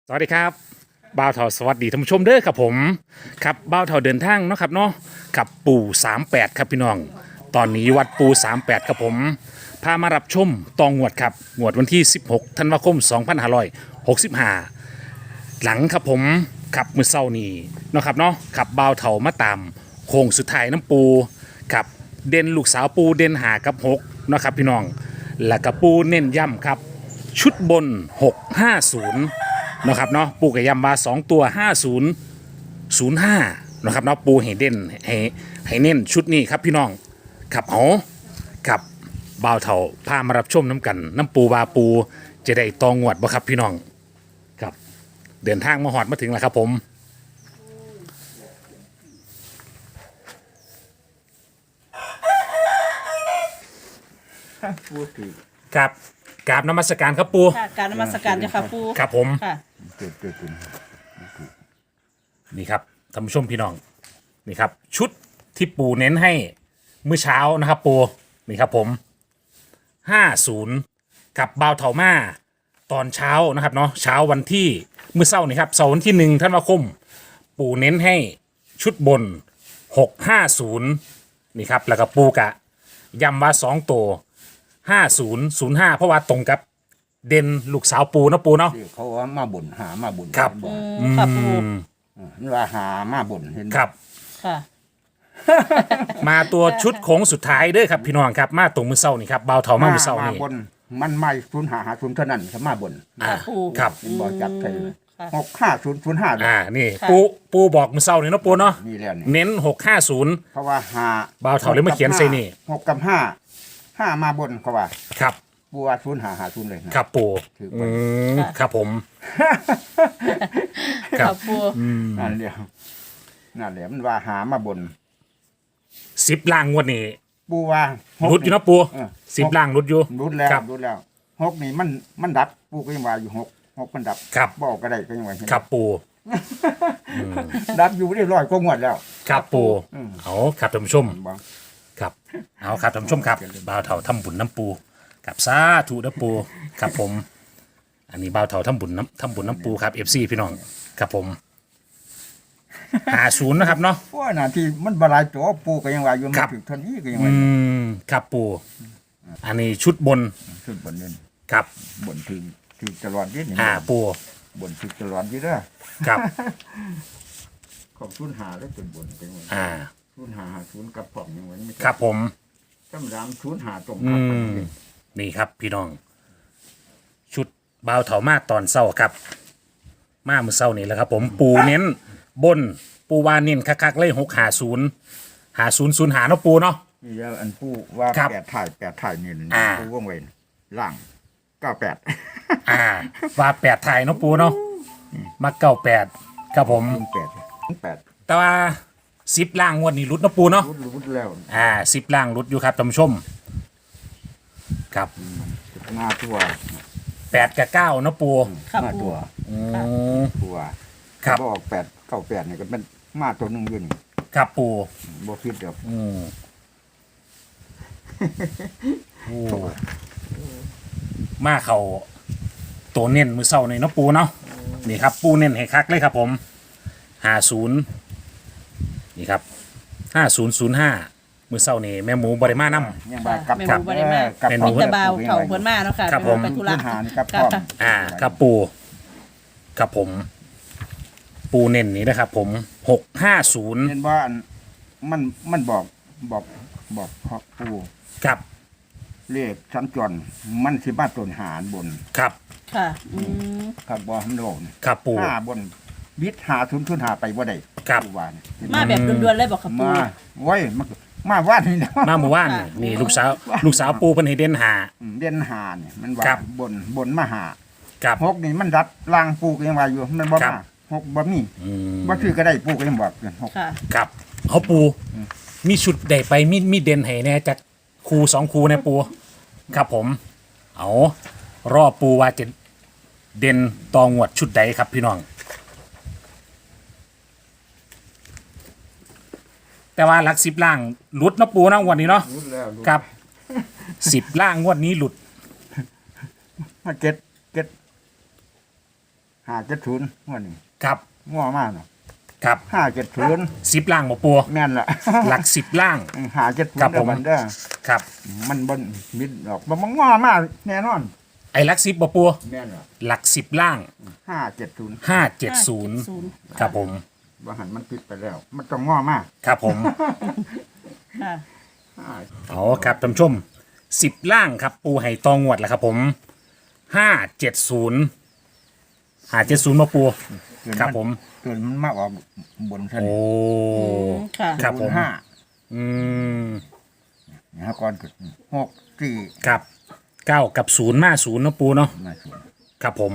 สวัสดีครับบ่าวเถาสวัสดีท่านผู้ชมเด้อครับผมครับบ่าวเถาเดินทางเนาะครับเนาะกับปู่38ครับพี่น้องตอนนี้วัดปู่38ครับผมพามารับชมตองงวดครับงวดวันที่16ธันวาคม2565หลังครับผมขับมือเศร้านี่เนาะครับเนาะขับบ่าวเถามาตามโค้งสุดท้ายน้ำปูกับเด่นลูกสาวปูเด่นหากับ6เนาะครับพี่น้องแล้วก็ปูเน้นย่ำครับชุดบน650นะครับเนาะปูกับยำมา2ตัว5005นะครับเนาะปูให้เด่นให้เน้นชุดนี้ครับพี่น้องขับเอากับบ่าวเถาพามารับชมน้ำกันน้ำปูบาปูจะได้ตองวดบ่ครับพี่น้องครับเดินทางมาหอดมาถึงแล้วครับผมพูดถึงครับกราบนมัสการครับปูค่ะการนมัสการเจ้าค่ะปูครับผมค่ะเกิดขึ้นนี่ครับท่านผู้ชมพี่น้องนี่ครับชุดที่ปูเน้นให้เมื่อเช้านะครับปูนี่ครับผม50กับบ่าวเถามาตอนเช้านะครับเนาะเช้าวันที่เมื่อเช้านี่ครับเสาร์วันที่1ธันวาคมปูเน้นให้ชุดบน650นี่ครับแล้วก็ปูกะย้ำว่า2ตัว5005เพราะว่าตรงกับเด่นลูกสาวปูนะปูเนาะที่เขาว่ามาบ่นหามาบ่นครับบ่นค่ะปูนี่ว่าหามาบ่นเห็นครับค่ะมาตัวชุดโค้งสุดท้ายเด้อครับพี่น้องครับมาตรงมือเศร้านี่ครับบ่าวเถามามือเศร้ามานี่บ่นมันไม่0 5 5 0เท่านั้นครับมาบ่นครับเป็นบ่จับใครเลยค่ะ 6 5 0 0 5 นี่ปูบอกมือเศร้านี่เนาะปูเนาะนี่แล้วนี่เน้น650 เพราะว่าหาบ่าวเถาเลยมาเขียนใส่นี่ 6กับ5มาบ่นเขาว่าครับปูว่า0 5 5 0เลยนะครับปูถือไปครับผม ครัค่ะบปูนั่นเดียวนั่นแหละมันว่าหามาบ่น 10ล่างงวดนี้ปูว่ารุดอยู่เนาะปูเออ 10ล่างรุดอยู่รุดแล้วครับรุดแล้ว6นี่มันดับปูก็ยังว่าอยู่6มันดับครับบอกก็ได้ก็ยังว่าเห็นครับปูดับอยู่เรียบร้อยก็งวดแล้วครับปูอืมเอาครับท่านผู้ชมบอกครับเอาครับท่านผู้ชมครับบ่าวเถาทำบุญน้ำปูกับสาธุน้ำปูครับผม อันนี้บ่าวเถาทำบุญน้ำปูครับ FC พี่น้องครับผม50นะครับเนาะเพราะว่าหน้าที่มันบหลายตัวปูก็ยังว่าอยู่ครัมาบถึงเท่านี้ก็ยังอืว่าครับปูอันนี้ชุดบนขึ้นบนเงินครับบนถึงตลอดนี่นี่ปูบนถึงตลอดนี่เด้อครับของศูนย์หาแล้วเป็นบนเป็นว่า ศูนย์หาศูนย์กับผมยังว่าไม่ใช่ครับผมจำรามศูนย์หาตรงอืกับมนี่ครับพี่น้อง ชุดบ่าวเถามาตอนเศร้าครับ มาเมื่อเศร้านี่แหละครับ ผมปูเน้นบนปูวาเน้นคักๆเลย650เนาะปูเนาะนี่แล้วอันปูว่าครับแปดถ่ายนี่อ่าปูว่องเวนล่าง98 ว่า8ไทยเนาะปูเนาะมา98ครับผม 8 แต่ว่า10ล่างงวดนี้รุดเนาะปูเนาะรุดแล้ว 10ล่างรุดอยู่ครับท่านผู้ชมครับหน้าตัว 8กับ9เนาะปูค่ะมาปูตัวอืมตัวครับบอก8 98นี่ก็เป็นมาตัวหนึงอยู่นี่ครับปูบ่คิดดอกอืมโอ้มาเขาตัวเน้นมือเศร้าในเนาะปูเนาะนี่ครับ ปูเน้นให้คักเลยครับผม50นี่ครับ5005มือเศร้านี่แม่หมูบริมาน้ำยังบ่ากับแม่หมูบ่ได้มากับแม่หมูมิตรบาวเถาเพิ่นมาเนาะค่ะครับผมไปธุระพื้นหานี่กับพค่ะร้อมครับปูครับผม ปูเน้นนี่นะครับ ผม650 เห็นว่าอันมันบอกพ่อปู่ครับเลขสัญจรมันสิมาต้นหารบนครับค่ะครับบ่มันโดนครับปูห้าบนวิทย์หาทุนหาไปบ่ได้ครับปู่ว่านี่มาแบบด่วนๆเลยบอกค่ะปูมาไว้มาว่านนี่นะมาเมื่อวานนี่นี่ลูกสาวปูเพิ่นให้เด่นหาเด่นหานี่มันว่าครับบนมาหาครับหกนี่มันรัดล่างปู่ก็ยังว่าอยู่มันบ่ครับมาหกบ่มีอืมบ่คือก็ได้ปู่ก็ยังบอกอยู่หกค่ะครับเอาปู มีชุดใดไปมีเด่นให้แน่จากครู2ครูในปูครับผม เอารอปูว่าจะเด่นตองวดชุดใดครับพี่น้อง แต่ว่าหลัก10ล่างหลุดเนาะปูเนาะงวันนี้เนาะรู้แล้วครับ10ล่างงวดนี้หลุดมาเก็ต 570วันนี้ครับง้อมากเนาะครับ 570 10ล่างบ่ปูแม่นละหลัก10ล่าง 570 ครับผมเด้อครับมันบ่มิดดอกมันง้อมากแน่นอนไอ้หลัก10บ่ปูแม่นละหลัก10ล่าง 570 570ครับผมว่าหันมันปิดไปแล้ว มันต้องง้อมากครับผมค่ะเอาครับท่านผู้ชม10ล่างครับปูไห่ตองงวดแล้วครับผม570มาปูครับผมเกินมันมากกว่าบนชั้นโอ้ค่ะครับผมห้าอืมนะก่อนก็6 ครับ9กับ0มา0นะปูเนาะ 4มาครับผม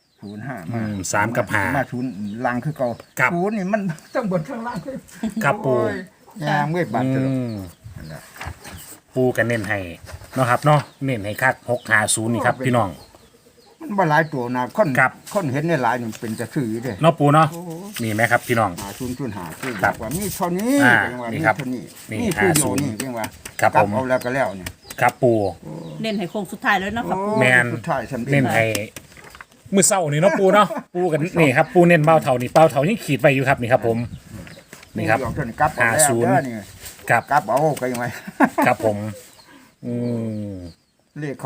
05 อืม3กับ5 มา0ล่างคือเก่าครับศูนย์นี่มันต้องบนข้างล่างครับปูโอ้ยยามเวทบาดอืจะมปูกันเน้นให้เนาะครับเนาะเน้นให้คัก650นี่ครับพี่น้องมันบ่หลายตัวนะคนครับคนเห็นในหลายนี่เป็นจะซื้ออยู่เด้เนาะปูเนาะนี่ไหมครับพี่น้อง 5005คือครับว่ามีเท่านี้อ่าเป็นว่านี่มีครับเท่านี้นี่นี่คือโย 50 นี่เป็นว่าครับกลัผมเอาแล้วก็แล้วเนี่ยครับปูเน้นให้โค้งสุดท้ายแล้วเนาะค่ะปูแม่นสุดท้ายฉันเน้นให้มือเศร้านี่เนาะปูเนาะปูกันนี่ครับปูเน้นเบ้าเท่านี่เบ้าเท่ายังขีดไว้อยู่ครับนี่ครับผมนี่ครับเอาเท่านี้กลับเอาแล้ว 50 เด้อนี่ครับกลับเอาก็ยังไงครับผมอืมเลขเขา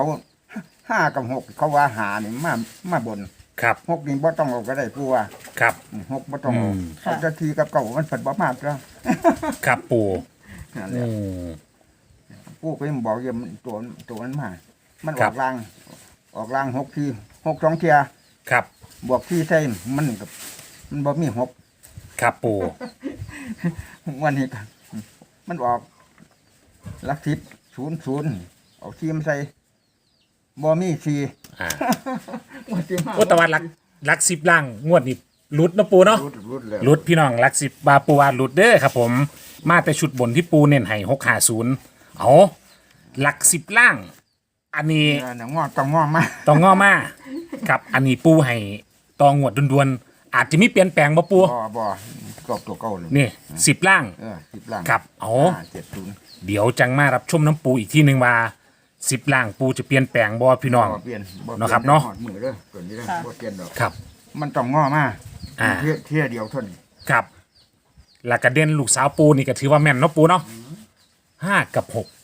5กับ6เขาว่าหานี่มาบนครับ 6นี่บ่ต้องเอาก็ได้ผู้ว่าครับ 6บ่ต้องเอาอืมเอาจะทีกับเก่ามันฝันบ่มากแล้วครับปูนั่นแหอืละมผู้ก็ยังบอกอยู่มันตัวมันมามันอครัอบ กลาง6ที6 2เที่ยครับบวกที่ใส่มันกับมันบ่มี6 ครับปูวันนี้ก็มันออกหลัก10 00เอาทีมใส่บ่มี4 อ่าวันที่มาโอตะวันรัก10ล่างงวดนี่หลุดเนาะปูเนาะรุดแล้วหลุดพี่น้องรัก10บาปูว่าหลุดเด้อครับผมมาแต่ชุดบนที่ปูเน้นให้650เอาหลัก10ล่าง อันนี้งอต้องงอมาต้องง้อมาครับอันนี้ปูให้ตองวดด่วนๆอาจจะมีเปลี่ยนแปลงบ่ปูบ่กรอบตัวเก่าเลยนี่10ล่าง 10ล่างครับเอา 70 เดี๋ยวจังมารับชมน้ำปูอีกที่หนึ่งว่า10ล่างปูจะเปลี่ยนแปลงบ่พี่น้องบ่เปลี่ยนบ่เนาะครับเนาะหอดมือเด้อตัวนี้เด้อบ่เปลี่ยนดอกครับมันต้องงอมาอ่าเที่ยเดียวเท่านี้ครับแล้วก็เด่นลูกสาวปูนี่ก็ถือว่าแม่นเนาะปูเนาะ5 กับ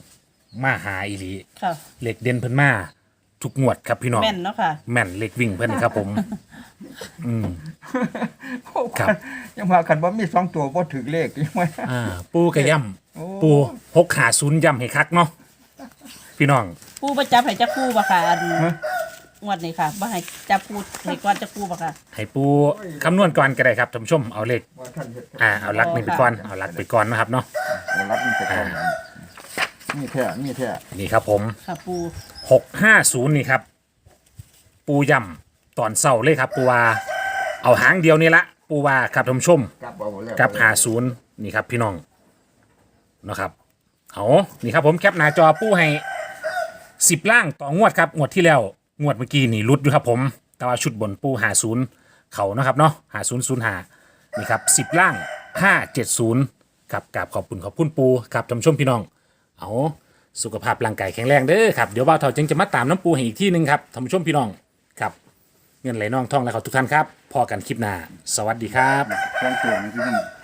6 มาหาอีหลีค่ะเหล็กเด่นเพิ่นมาทุกงวดครับพี่น้องแม่นเนาะค่ะแม่นเหล็กวิ่งเพิ่นครับผม อืม ครับยังว่ากันบ่มี2ตัวบ่ถึกเลขยังว่าปูกระย่โอ้ำปู650ย่ำให้คักเนาะพี่น้องปูประจับให้จักปูบ่ค่ะอันงวดนี้ค่ะบ่ให้จับปูให้ก่อนจักปูบ่ค่ะให้ปูคำนวณก่อนก็ได้ครับท่านผู้ชมเอาเลขบ่ทันเฮ็ดเอาลักนี่ไปก่อนเอาลักไปก่อนนะครับเนาะเอารัดมันไปก่อนมีแท้นี่ครับผมค่ะปู 650นี่ครับ ปูย่ำตอนเศร้าเลยครับ ปูว่าเอาหางเดียวนี่ละปูว่าครับท่านผู้ชมกลับเอาแล้วกับ50นี่ครับพี่น้องนะครับเอานี่ครับผมแคปหน้าจอปูให้10ล่างต่องวดครับงวดที่แล้วงวดเมื่อกี้นี่รุดอยู่ครับผมแต่ว่าชุดบนปู50เขานะครับเนาะ5005นี่ครับ10ล่าง570ครับกับขอบคุณปูครับท่านผู้ชมพี่น้องเอาสุขภาพร่างกายแข็งแรงเด้อครับเดี๋ยวบ่าวเฒ่าจึงจะมาตามน้ำปูให้อีกที่หนึงครับท่านผู้ชมพี่น้องครับเงินไหลน่องท่องและเขาทุกท่านครับพอกันคลิปหน้าสวัสดีครับเครื่องเสียงที่นั่น